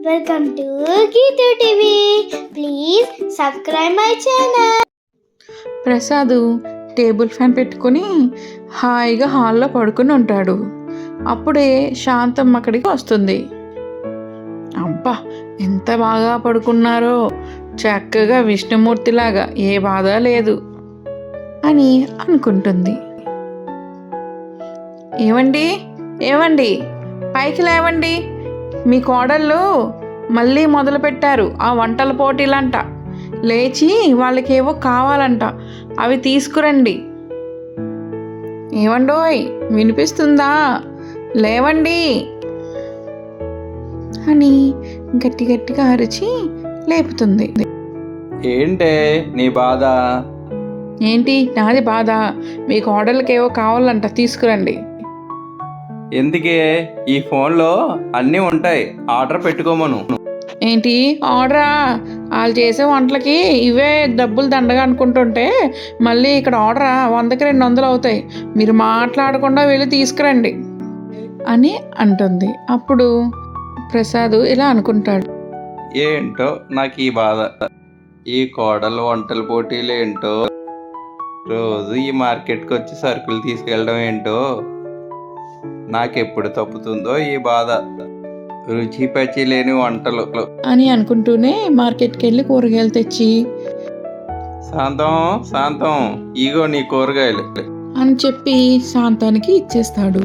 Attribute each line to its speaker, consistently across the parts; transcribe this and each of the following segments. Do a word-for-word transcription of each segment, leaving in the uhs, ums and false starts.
Speaker 1: Welcome to Geethu TV. Please subscribe my channel.
Speaker 2: Prasad table fan పెట్టుకుని హాయిగా హాల్లో పడుకుని ఉంటాడు. అప్పుడే శాంతం అక్కడికి వస్తుంది. అబ్బా, ఎంత బాగా పడుకున్నారో, చక్కగా విష్ణుమూర్తిలాగా, ఏ బాధ లేదు అని అనుకుంటుంది. ఏవండి ఏవండి పైకి లేవండి, మీ కోడళ్ళు మళ్ళీ మొదలుపెట్టారు ఆ వంటల పోటీలంట. లేచి వాళ్ళకేవో కావాలంట, అవి తీసుకురండి. ఏవండోయ్, వినిపిస్తుందా? లేవండి అని గట్టి గట్టిగా అరిచి లేపుతుంది.
Speaker 3: ఏంటే నీ బాధ?
Speaker 2: ఏంటి నాది బాధ? మీ కోడళ్ళకేవో కావాలంట, తీసుకురండి.
Speaker 3: ఎందుకే? ఈ ఫోన్లో అన్నీ ఉంటాయి, ఆర్డర్ పెట్టుకోమను.
Speaker 2: ఏంటి ఆర్డరా? వాళ్ళు చేసే వంటలకి ఇవే డబ్బులు దండగా అనుకుంటుంటే మళ్ళీ ఇక్కడ ఆర్డరా? వందకి రెండు వందలు అవుతాయి, మీరు మాట్లాడకుండా వెళ్ళి తీసుకురండి అని అంటుంది. అప్పుడు ప్రసాద్ ఇలా అనుకుంటాడు,
Speaker 3: ఏంటో నాకు ఈ బాధ. ఈ కోడలు వంటల పోటీలు ఏంటో, రోజు ఈ మార్కెట్కి వచ్చి సరుకులు తీసుకెళ్ళడం ఏంటో, నాకెప్పుడు తప్పుతుందో ఈ బాధ. రుచి పచి లేని వంటలు
Speaker 2: అని అనుకుంటూనే మార్కెట్కి వెళ్ళి కూరగాయలు తెచ్చి,
Speaker 3: శాంతం శాంతం ఇగో నీ కూరగాయలు
Speaker 2: అని చెప్పి శాంతానికి ఇచ్చేస్తాడు.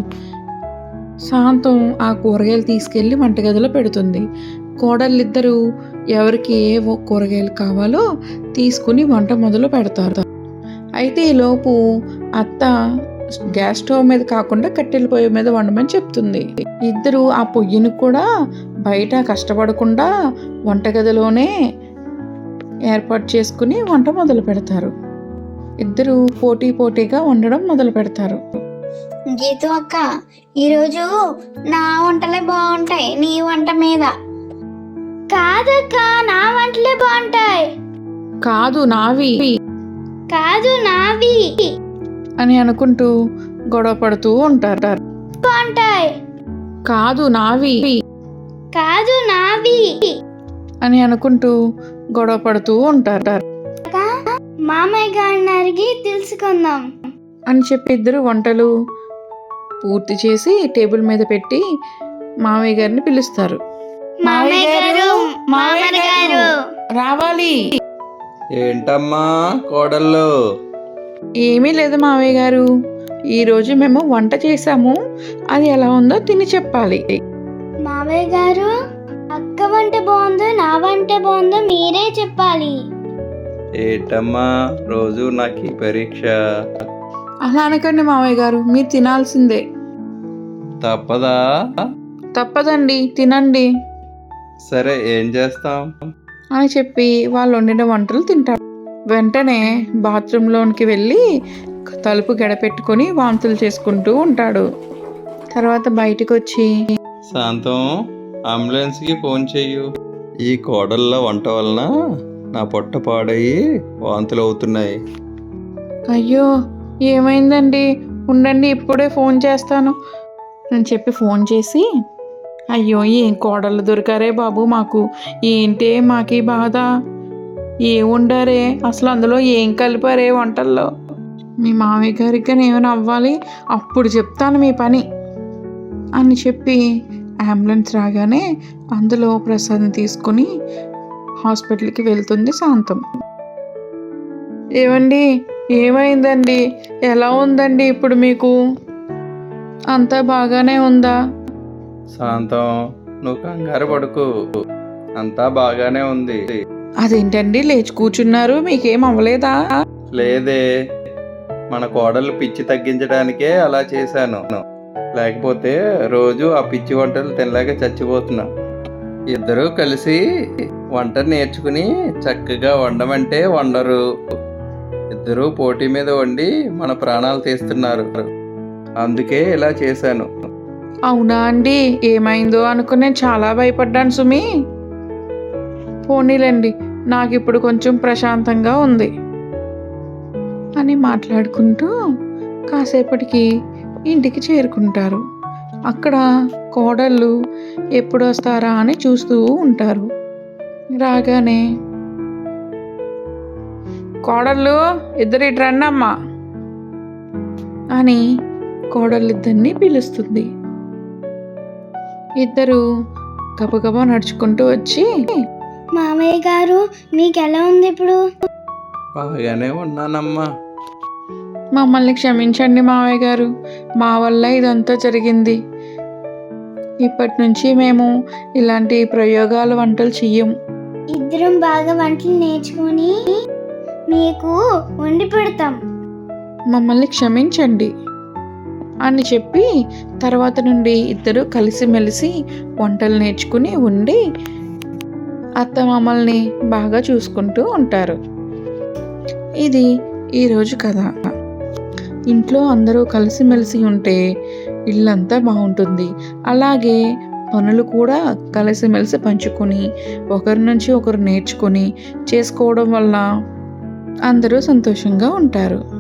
Speaker 2: శాంతం ఆ కూరగాయలు తీసుకెళ్ళి వంటగదిలో పెడుతుంది. కోడళ్ళిద్దరూ ఎవరికి ఏ కూరగాయలు కావాలో తీసుకుని వంట మొదలు పెడతారు. అయితే ఈలోపు అత్త గ్యాస్ స్టవ్ మీద కాకుండా కట్టెల పొయ్యి మీద వండమని చెప్తుంది. ఇద్దరు ఆ పొయ్యిని కూడా బయట కష్టపడకుండా వంటగదిలోనే ఏర్పాటు చేసుకుని వంట మొదలు పెడతారు. ఇద్దరు పోటీ పోటీగా వండడం మొదలు పెడతారు.
Speaker 1: గీతూ అక్క, ఈరోజు నా వంటలే బాగుంటాయి నీ వంట మీద. కాదక్క, నా వంటలే బాగుంటాయి.
Speaker 2: కాదు నావి,
Speaker 1: కాదు నావి
Speaker 2: అని అనుకుంటూ గొడవ పడుతూ ఉంటారు.
Speaker 1: బాగుంటాయి.
Speaker 2: కాదు నావి,
Speaker 1: కాదు నావి
Speaker 2: అని అనుకుంటూ గొడవ పడుతూ ఉంటారు.
Speaker 1: మామయ్య గారిని అడిగి తెలుసుకుందాం
Speaker 2: అని చెప్పి ఇద్దరు వంటలు పూర్తి చేసి టేబుల్ మీద పెట్టి మామయ్య గారిని పిలుస్తారు.
Speaker 1: మామయ్య గారు, మామయ్య గారు
Speaker 2: రావాలి.
Speaker 3: ఏంటమ్మా కోడళ్ళు?
Speaker 2: ఏమీ లేదు మామయ్య గారు, ఈరోజు మేము వంట చేసాము, అది ఎలా ఉందో తిని చెప్పాలి.
Speaker 1: మామయ్య గారు, అక్క వంట బాగుందో నా వంట బాగుందో మీరే చెప్పాలి.
Speaker 3: ఏంటమ్మా రోజు నాకు ఈ పరీక్ష?
Speaker 2: అలా అనకండి మామయ్య గారు, మీరు తినాల్సిందే.
Speaker 3: తప్పదా?
Speaker 2: తప్పదండి, తినండి
Speaker 3: సరే, ఏం చేస్తాం
Speaker 2: అని చెప్పి వాళ్ళు వండిన వంటలు తింటారు. వెంటనే బాత్రూంలోనికి వెళ్ళి తలుపు గడపెట్టుకొని వాంతులు చేసుకుంటూ ఉంటాడు. తర్వాత బయటకు వచ్చి,
Speaker 3: శాంతం అంబులెన్స్కి ఫోన్ చెయ్యు. ఈ కోడళ్ళ వంట వలన నా పొట్ట పాడయి వాంతులు అవుతున్నాయి.
Speaker 2: అయ్యో ఏమైందండి, ఉండండి ఇప్పుడే ఫోన్ చేస్తాను అని చెప్పి ఫోన్ చేసి, అయ్యో ఏం కోడళ్ళు దొరికారే బాబు మాకు, ఏంటే మాకు ఈ బాధ, ఏం వండారే అసలు, అందులో ఏం కలిపారే వంటల్లో, మీ మామయ్య గారికి కానీ ఏమైనా అవ్వాలి, అప్పుడు చెప్తాను మీ పని అని చెప్పి అంబులెన్స్ రాగానే అందులో ప్రసాద్ని తీసుకుని హాస్పిటల్కి వెళ్తుంది శాంతం. ఏమండి ఏమైందండి, ఎలా ఉందండి ఇప్పుడు మీకు? అంతా బాగానే ఉందా?
Speaker 3: శాంతం నువ్వు కంగారు పడుకు, అంతా బాగానే ఉంది.
Speaker 2: అదేంటండి లేచి కూర్చున్నారు, మీకేం అవ్వలేదా?
Speaker 3: లేదే, మన కోడలు పిచ్చి తగ్గించడానికే అలా చేశాను, లేకపోతే రోజు ఆ పిచ్చి వంటలు తినలేక చచ్చిపోతున్నా. ఇద్దరూ కలిసి వంట నేర్చుకుని చక్కగా వండమంటే వండరు, ఇద్దరూ పోటీ మీద వండి మన ప్రాణాలు తీస్తున్నారు, అందుకే ఇలా చేశాను.
Speaker 2: అవునా అండి, ఏమైందో అనుకుని నేను చాలా భయపడ్డాను సుమి. పోనీలండి, నాకు ఇప్పుడు కొంచెం ప్రశాంతంగా ఉంది అని మాట్లాడుకుంటూ కాసేపటికి ఇంటికి చేరుకుంటారు. అక్కడ కోడళ్ళు ఎప్పుడు వస్తారా అని చూస్తూ ఉంటారు. రాగానే కోడళ్ళు ఇద్దరు ఇటు రండి అమ్మా అని కోడళ్ళిద్దరిని పిలుస్తుంది. ఇద్దరు గబగబా నడుచుకుంటూ వచ్చి,
Speaker 1: మామయ్య గారు మీకు ఎలా ఉంది ఇప్పుడు?
Speaker 3: బాగానే ఉన్నానమ్మా.
Speaker 2: మమ్మల్ని క్షమించండి మావయ్య గారు, మా వల్ల ఇదంతా జరిగింది. ఇప్పటి నుంచి మేము ఇలాంటి ప్రయోగాలు వంటలు చెయ్యం.
Speaker 1: ఇద్దరం బాగా వంటలు నేర్చుకొని మీకు వండి పెడతాం.
Speaker 2: మమ్మల్ని క్షమించండి అని చెప్పి తర్వాత నుండి ఇద్దరు కలిసిమెలిసి వంటలు నేర్చుకుని ఉండి అత్త మమ్మల్ని బాగా చూసుకుంటూ ఉంటారు. ఇది ఈరోజు కథ. ఇంట్లో అందరూ కలిసిమెలిసి ఉంటే ఇల్లంతా బాగుంటుంది. అలాగే పనులు కూడా కలిసిమెలిసి పంచుకొని ఒకరి నుంచి ఒకరు నేర్చుకొని చేసుకోవడం వల్ల అందరూ సంతోషంగా ఉంటారు.